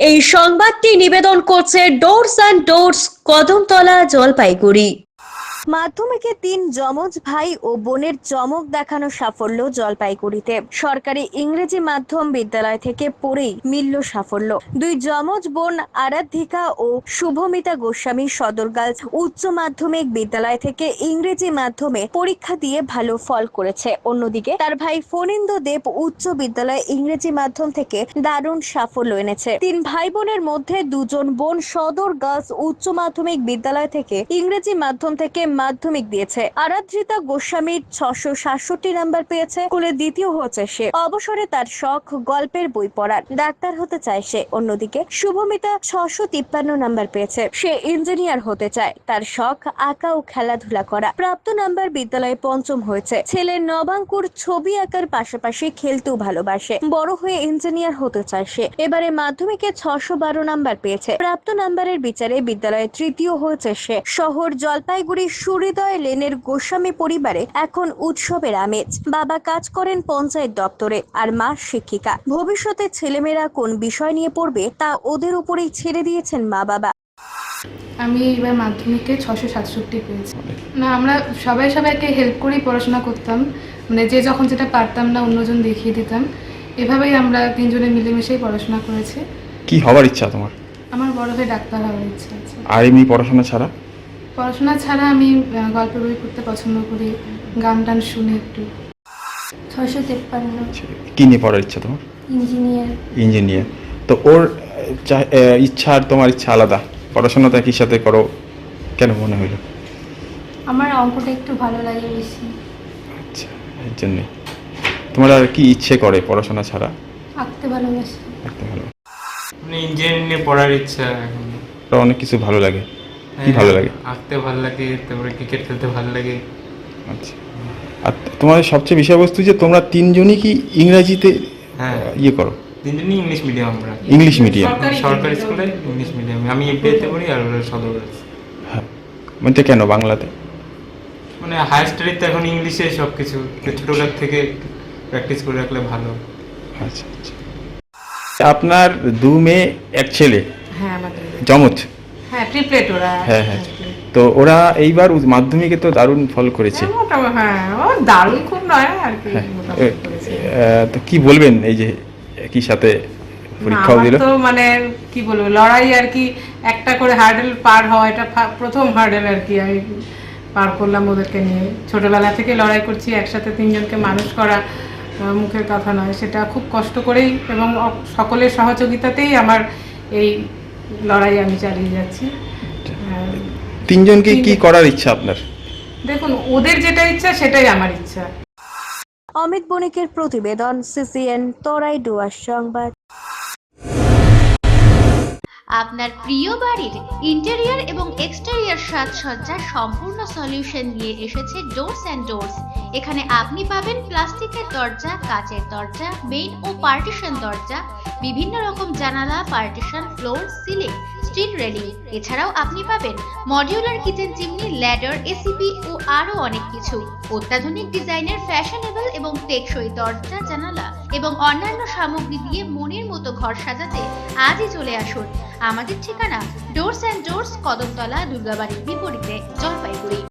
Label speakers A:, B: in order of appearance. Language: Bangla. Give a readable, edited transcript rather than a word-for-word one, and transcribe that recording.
A: এই সংবাদটি নিবেদন করছে Doors and Doors, Kadamtala, Jalpaiguri. মাধ্যমিকে ৩ যমজ ভাই ও বোনের চমক দেখানো সাফল্য জলপাইগুড়িতে। সরকারি ইংরেজি মাধ্যম বিদ্যালয় থেকে পড়েই মিলল সাফল্য। ২ যমজ বোন আরাধিকা ও শুভমিতা গোস্বামী সদর গার্লস উচ্চ মাধ্যমিক বিদ্যালয় থেকে ইংরেজি মাধ্যমে পরীক্ষা দিয়ে ভালো ফল করেছে। অন্যদিকে তার ভাই ফণীন্দ্র দেব উচ্চ বিদ্যালয় ইংরেজি মাধ্যম থেকে দারুণ সাফল্য এনেছে। ৩ ভাই বোনের মধ্যে ২জন বোন সদর গার্লস উচ্চ মাধ্যমিক বিদ্যালয় থেকে ইংরেজি মাধ্যম থেকে মাধ্যমিক দিয়েছে। আরাধ্রিতা গোস্বামীর ৬৬৭ নাম্বার পেয়েছে। স্কুলে দ্বিতীয় হচ্ছে সে। অবসরে তার শখ গল্পের বই পড়ার। ডাক্তার হতে চায় সে। অন্যদিকে শুভমিতা ৬৫৩ নাম্বার পেয়েছে। সে ইঞ্জিনিয়ার হতে চায়। তার শখ আঁকা ও খেলাধুলা করা। প্রাপ্ত নাম্বার বিদ্যালয়ে পঞ্চম হয়েছে। ছেলে নবাঙ্কুর ছবি আঁকার পাশাপাশি খেলতেও ভালোবাসে। বড় হয়ে ইঞ্জিনিয়ার হতে চায় সে। এবারে মাধ্যমিকে ৬১২ নাম্বার পেয়েছে। প্রাপ্ত নাম্বারের বিচারে বিদ্যালয়ে তৃতীয় হয়েছে সে। শহর জলপাইগুড়ি সুহৃদয় লেনের গোস্বামী পরিবারে এখন উৎসবের আমেজ। বাবা কাজ করেন পঞ্চায়েত দপ্তরে আর মা শিক্ষিকা। ভবিষ্যতে ছেলেমেয়েরা কোন বিষয় নিয়ে পড়বে তা ওদের উপরেই ছেড়ে দিয়েছেন মা বাবা।
B: আমি এবার মাধ্যমিকে ৬৬৭ পেয়েছি। না, আমরা সবাইকে হেল্প করেই পড়াশোনা করতাম। মানে যে যখন যেটা পারতাম না অন্যজন দেখিয়ে দিতাম। এভাবেই আমরা ৩ জনে মিলেমিশেই পড়াশোনা করেছি।
C: কি হওয়ার ইচ্ছা তোমার?
B: আমার বড় হয়ে ডাক্তার হওয়ার ইচ্ছা আছে।
C: আর এমনি পড়াশোনা ছাড়া?
B: পড়াশোনা ছাড়া আমি গল্পের বই পড়তে পছন্দ করি, গান টান শুনি একটু।
D: ৬৫৩।
C: কি নিয়ে পড়ার ইচ্ছা তোমার? ইঞ্জিনিয়ার। তো ওর ইচ্ছা আর তোমার ইচ্ছা আলাদা। পড়াশোনাটা একই সাথে করো, কেন মনে হইলো?
D: আমার অঙ্কটা একটু ভালো লাগে বেশি।
C: আচ্ছা, এর জন্যে। তোমার আর কি ইচ্ছে করে পড়াশোনা ছাড়া?
D: আঁকতে ভালোবাসি।
C: আঁকতে ভালো।
E: মানে ইঞ্জিনিয়ারিং নিয়ে পড়ার ইচ্ছা এখন।
C: অনেক কিছু ভালো লাগে। কি ভালো লাগে?
E: আঁকতে ভালো লাগে, তারপরে ক্রিকেট খেলতে ভালো লাগে।
C: আচ্ছা। আর তোমাদের সবচেয়ে বিষয়বস্তু যে তোমরা ৩ জনই কি ইংরেজিতে ইয়ে করো?
E: ৩ জনই ইংলিশ মিডিয়াম। আমরা
C: ইংলিশ মিডিয়াম,
E: সরকারি স্কুলে ইংলিশ মিডিয়াম। আমি এফবিআইতে পড়ি আর ওরা সদর।
C: হ্যাঁ, মানে কেন বাংলাতে?
E: মানে হায়ার স্টাডিতে এখন ইংলিশে সব কিছু ছোটোবেলার থেকে প্র্যাকটিস করে রাখলে ভালো।
C: আচ্ছা আচ্ছা। আপনার ২ মেয়ে ১ ছেলে?
B: হ্যাঁ, আমাদের
C: যমজ?
B: হ্যাঁ, ট্রিপলেট ওরা।
C: হ্যাঁ হ্যাঁ। তো ওরা এইবার মাধ্যমিকে তো দারুণ ফল করেছে।
B: হ্যাঁ, ও দারুণ খুব নয় আর কি।
C: তো কি বলবেন এই যে একই সাথে পরীক্ষাও দিল?
B: তো মানে কি বলবো, লড়াই আর কি। একটা করে হার্ডেল পার হওয়া, এটা প্রথম হার্ডেল আর কি আমি পার করলাম ওদেরকে নিয়ে। ছোটবেলা থেকে লড়াই করছি, একসাথে ৩ জনকে মানুষ করা মুখের কথা নয়। সেটা খুব কষ্ট করেই এবং সকলের সহযোগিতাতেই আমার এই লড়াই আমি চালিয়ে যাচ্ছি।
C: ৩ জনকে কি করার ইচ্ছা আপনার?
B: দেখুন, ওদের যেটা ইচ্ছা সেটাই আমার ইচ্ছা।
A: অমিত বণিকের প্রতিবেদন, সিসিএন, তরাই ডুয়ার সংবাদ।
F: আপনার প্রিয় বাড়ির ইন্টেরিয়র এবং এক্সটেরিয়র সাজসজ্জার সম্পূর্ণ সলিউশন নিয়ে এসেছে ডোরস অ্যান্ড ডোরস। এখানে আপনি পাবেন প্লাস্টিকের দরজা, কাচের দরজা, মেইন ও পার্টিশন দরজা, বিভিন্ন রকম জানালা, partition, floor, ceiling, steel railing. এছাড়াও আপনি পাবেন modular kitchen chimney, ladder, ACP ও আরো অনেক কিছু। অত্যাধুনিক ডিজাইনের ফ্যাশনেবল এবং টেকসই দরজা, জানালা এবং অন্যান্য সামগ্রী দিয়ে মনের মতো ঘর সাজাতে আজই চলে আসুন। আমাদের ঠিকানা ডোরস অ্যান্ড ডোরস, কদমতলা, দুর্গাবাড়ির বিপরীতে, জলপাইগুড়ি।